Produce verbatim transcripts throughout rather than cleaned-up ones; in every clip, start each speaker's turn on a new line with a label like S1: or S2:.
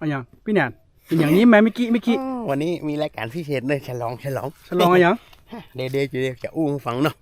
S1: อะไรอย่างพี่แนนเป็นอย่างนี้ไหมเมื่อกี้เมื่อกี้
S2: วันนี้มีรายการพิเศษเลยฉลองฉลอง
S1: ฉลองอะไรอย่าง
S2: เดี๋ยวเดี๋ยวเดี๋ยวจะอู้ฟังเนาะ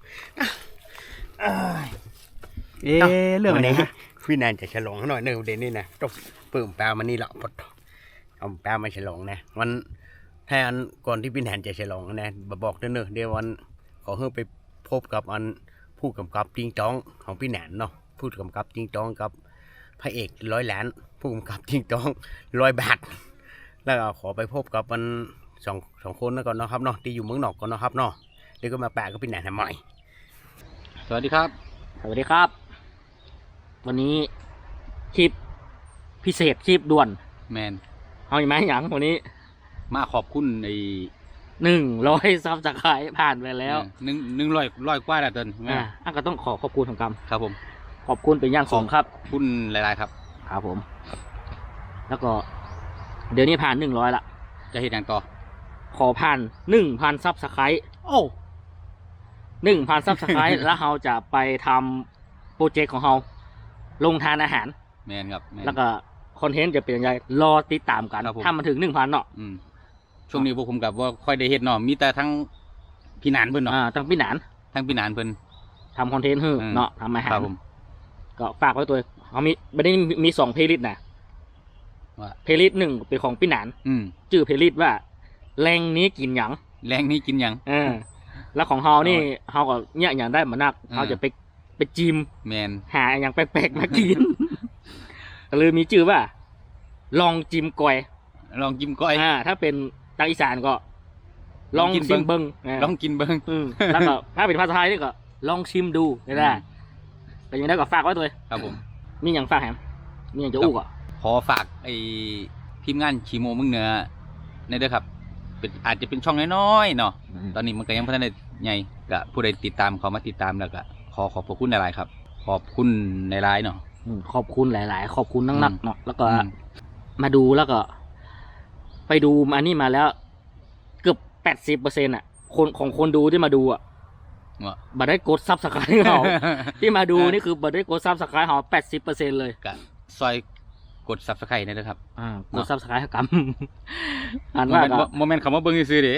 S1: เอ๊ะเรื่องอะไรฮะ
S2: พี่แนนจะฉลองหน่อยเนอะเดี๋ยวนี้นะต้องเปิ่มแปลมานี่ละพอเอาแปลมาฉลองนะวันแทนก่อนที่พี่แนนจะฉลองนะบอกเนอะเดี๋ยววันขอให้ไปพบกับอันผู้กำกับจริงจ้องของพี่แนนเนาะผู้กำกับจริงจ้องกับพระเอกร้อยล้านผู้กำกับจริงจ้องร้อยบาทแล้วก็ขอไปพบกับมันสองสองคนแล้วก่อนนะครับเนาะที่อยู่เมืองนอกก่อนนะครับเนาะเดี๋ยวก็มาแปะกับพี่แหนนทำไม
S3: สวัสดีครับ
S1: สวัสดีครับวันนี้คลิปพิเศษคลิปด่วน
S3: แมน
S1: เอาอย่างไรอย่างวันนี้
S3: มาขอบคุณใน
S1: หนึ่งร้อยซับสไครต์ผ่านไปแล้ว
S3: หนึ่งหนึ่งร้อยร้อยกว่าแล้วตอน
S1: อ่าอ่ะก็ต้องขอขอบคุณของกรรม
S3: ครับผม
S1: ขอบคุณเป็นอย่างสูงครับ
S3: ขอบคุณหลายๆครับ
S1: ครับผมแล้วก็เดี๋ยวนี้ผ่านหนึ่งร้อยละ
S3: จะเห็นอย่างต่อ
S1: ขอผ่านหนึ่งพันซับสไครต์โอ้หนึ่งพันซับสไครต์แล้วเราจะไปทำโปรเจกต์ของเราลงทานอาหาร
S3: แมนครับ
S1: แล้วก็คอนเทนต์จะเป็นยังไงรอติดตามกันถ้ามันถึงหนึ่งพันเนาะ
S3: ช่วงนี้พวกผมกับว่าค่อยได้เห็นเนาะมีแต่ทั้งพี่หนานเพิ่นเนาะ
S1: อ่าทั้งพี่หนาน
S3: ทั้งพี่หนานเพิ่น
S1: ทำคอนเทนต์เฮ้อเนาะทำอาหาร
S3: ครับผม
S1: ก็ฝากไว้ตัวเขามีไม่ได้มีสองเพลย์ลิสต์นะเพลย์ลิสต์หนึ่งเป็นของพี่หนานชื่อเพลย์ลิสต์ว่าแรงนี้กินหยัง
S3: แรงนี้กินหยัง
S1: เออแล้วของเฮานี่เฮาก็เนี่ยอย่างได้มานักเฮาจะไปไปจิม
S3: แมน
S1: หาอย่างแปลกๆมากินก็เลยมีชื่อว่าลองจิมก้อย
S3: ลองกินก้อย
S1: อ่าถ้าเป็นทางอีสานก็ลองชิมเบิ้ง
S3: ลองกินเบิ้ง
S1: แล้วก็ถ้าเป็นภาษาไทยนี่ก็ลองชิมดูได้แต่ยังได้ก็ฝากไว้ตัว
S3: ครับผม
S1: มีอย่างฝากแฮมมีอย่างจะอู้ก็
S3: ขอฝากไอ้ทีมงานชีโมมึงเหนือในเด้อครับเป็นอาจจะเป็นช่องน้อยๆเนาะตอนนี้มันก็ยังพัฒนาใหญ่ก็ผู้ใดติดตามเขามาติดตามแล้วก็ขอขอบคุณหลายๆครับขอบคุณในไลน์เนาะ
S1: ขอบคุณหลายๆขอบคุณนักๆเนาะแล้วก็มาดูแล้วก็ไปดูมานี่มาแล้วเกือบแปดสิบเปอร์เซ็นต์อ่ะคนของคนดูที่มาดูอ่ะบัตรได้กดซับสไครต์เขาที่มาดูนี่คือบัตรได้กดซับสไครต์เขาแปดสิบเปอร์เซ็นต์เลย
S3: ก็ซอยกดซับสไครต์นี่นะครับ
S1: อ่ากดซับสไครต์กับ
S3: อ่านว่าโมเมนต์คำว่าเบิ้งซื้อเด้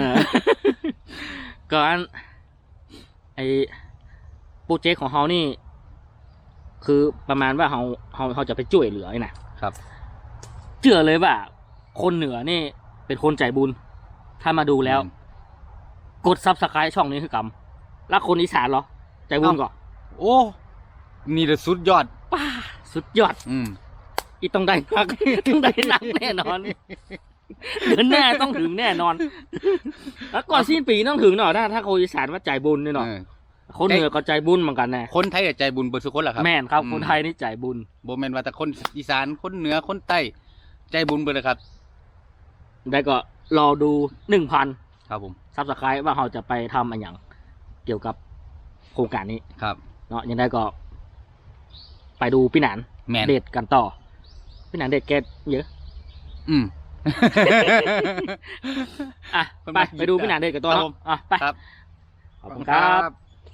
S1: ก็อันไอโปรเจกต์ของเขานี่คือประมาณว่าเขาเขาเขาจะไปช่วยเหลือไอ้นะครับเชื่อเลยว่าคนเหนือนี่เป็นคนใจบุญถ้ามาดูแล้วกดซับสไครต์ช่องนี้คือกรรมแล้วคนอีสานเหรอใจบุญก่อน
S3: โอ้นี่แหละสุดยอด
S1: ป้าสุดยอด
S3: อืม
S1: อีต้องได้นักต้องได้นักแน่นอนเดือนหน้าต้องถึงแน่นอนแล้วก่อนสิ้นปีต้องถึงหน่อยถ้าถ้าคนอีสานว่าใจบุญนี่หน่อยคนเหนือก็ใจบุญเหมือนกันแน่
S3: คนไทยใจบุญเบอร์สุคนแหละครับ
S1: แม่นครับคนไทยนี่ใจบุญ
S3: โบแมนว่าแต่คนอีสานคนเหนือคนใต้ใจบุญเบอร์เลยครับ
S1: ได้ก็รอดูหนึ่งพัน
S3: ครับผม
S1: ซับสไครต์ว่าเราจะไปทำอะไรอย่างเกี่ยวกับโครงการนี้
S3: ครับ
S1: เนาะยังได้ก็ไปดูพี่หนานเด็ดกันต่อพี่หนานเด็ดแกเยอะ
S3: อืม
S1: อ่ะไปไปดูพี่หนานเด็ดกันต่ออ่ะไปขอบคุณครับ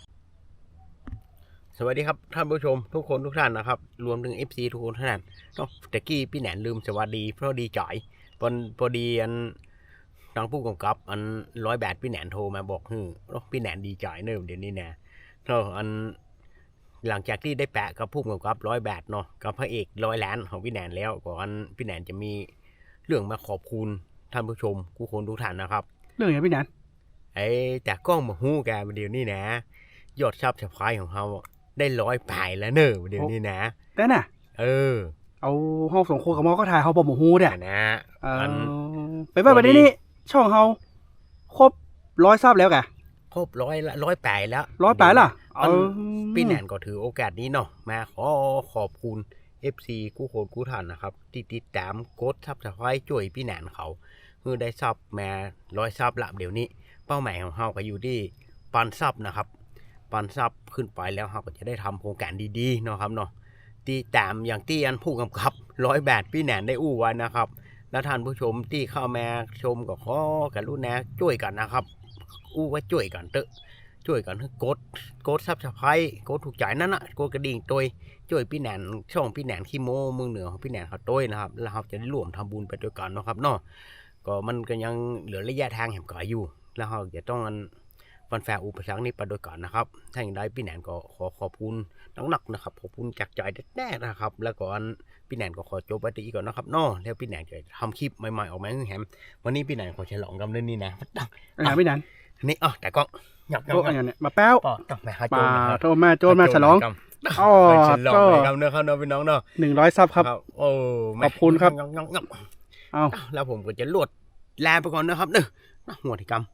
S2: สวัสดีครับท่านผู้ชมทุกคนทุกท่านนะครับรวมถึง เอฟ ซี ทุกคนท่านเนาะตะกี้พี่แหนนลืมสวัสดีเพราะดีจ่อยพอพอดีอันทางผู้กำกับอันร้อยแบดพี่แหนนโทรมาบอกฮึพี่แหนนดีจ่อยเนิ่มเดี๋ยวนี้นะเนาะอันหลังจากที่ได้แปะกับผู้กำกับร้อยแบดเนาะกับพระเอกร้อยล้านของพี่แหนนแล้วก่อนพี่แหนนจะมีเรื่องมาขอบคุณท่านผู้ชมทุกคนทุกท่านนะครับ
S1: เรื่องอย่างพี่แหนน
S2: ไอ้จากกล้องมาหู้แกเดี๋ยวนี้นะยอดซับสไครต์ของเขาได้ร้อยปลายแล้วเนอะเดี๋ยวนี้นะ
S1: แต่น่ะ
S2: เออ
S1: เอาห้องสงโคกับมอก็ถ่ายเขาบอกหมูฮูเนี่ย
S2: นะ
S1: มันไปไปไปนี่ช่องเขาครบร้อยซับแล้วแก
S2: ครบร้อยละร้อยปลายแล้ว
S1: ร้อยปลายล่ะ
S2: พี่แหนนก็ถือโอกาสนี้เนาะมาขอขอบคุณ เอฟ ซี กู้โคนกู้ทันนะครับที่ติดตามกดซับสไครต์ช่วยพี่แหนนเขาเพื่อได้ซับมาร้อยซับละเดี๋ยวนี้เป้าหมายของเขาก็อยู่ที่ปันซับนะครับปันซับขึ้นไปแล้วเราก็จะได้ทำโครงการดีๆเนาะครับเนาะตีตามอย่างที่อันผู้กำกับร้อยแบดพี่แหนนได้อู้ไว้นะครับแล้วท่านผู้ชมที่เข้ามาชมก็ขอกันรู้นะช่วยกันนะครับอู้ว่าช่วยกันเถอะช่วยกันให้กดกดซับสไครต์กดถูกใจนั่นน่ะกดกระดิ่งตัวช่วยพี่แหนนช่องพี่แหนนขี้โม้เมืองเหนือของพี่แหนนเขาต้วยนะครับแล้วเราจะได้ร่วมทำบุญไปด้วยกันเนาะครับเนาะก็มันก็ยังเหลือระยะทางแห่งก่ออยู่แล้วเราจะต้องฟันแฝงอุปสรรคนี้ไปด้วยกันนะครับถ้าอย่างไรพี่แหนนก็ขอขอบคุณหนักๆนะครับขอบคุณจากใจแน่ๆนะครับแล้วก็พี่แหนนก็ขอจบไปที่ก่อนนะครับเนาะแล้วพี่แหนนจะทำคลิปใหม่ๆออกมาให้แฮมวันนี้พี่แหนนขอฉลองกันเรื่องนี้นะ
S4: อะไรพี่นัน
S2: นี่อ๋อแต่ก็หยับ
S4: โต๊ะอะไรเนี่ยมาแป้ว
S2: ปอต้องไปหาโจ
S4: ป่าร
S2: นะครับ
S4: โทรมาโจรมาฉลองอ๋อ
S2: ฉลอง
S4: ก็
S2: ไปครับเนื้อข้าวเนื้อพี่น้องเนาะ
S4: หนึ่งร้อยซับครับ
S2: โอ้
S4: ขอบคุณครับ
S2: งับงับงับ
S4: เอา
S2: แล้วผมก็จะลวดแลไปก่อนนะครับเนอะหัวที่กำ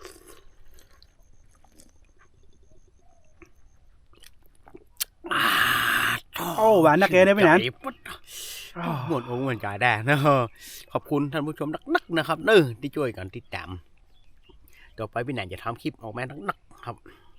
S4: โอ้หวานนักเกได้พี่นัน
S2: หมดองค์เหมือนกันได้นะขอบคุณท่านผู้ชมนักๆนะครับเนอะที่ช่วยกันติดตามต่อไปพี่แหนนจะทำคลิปออกมานักๆครับ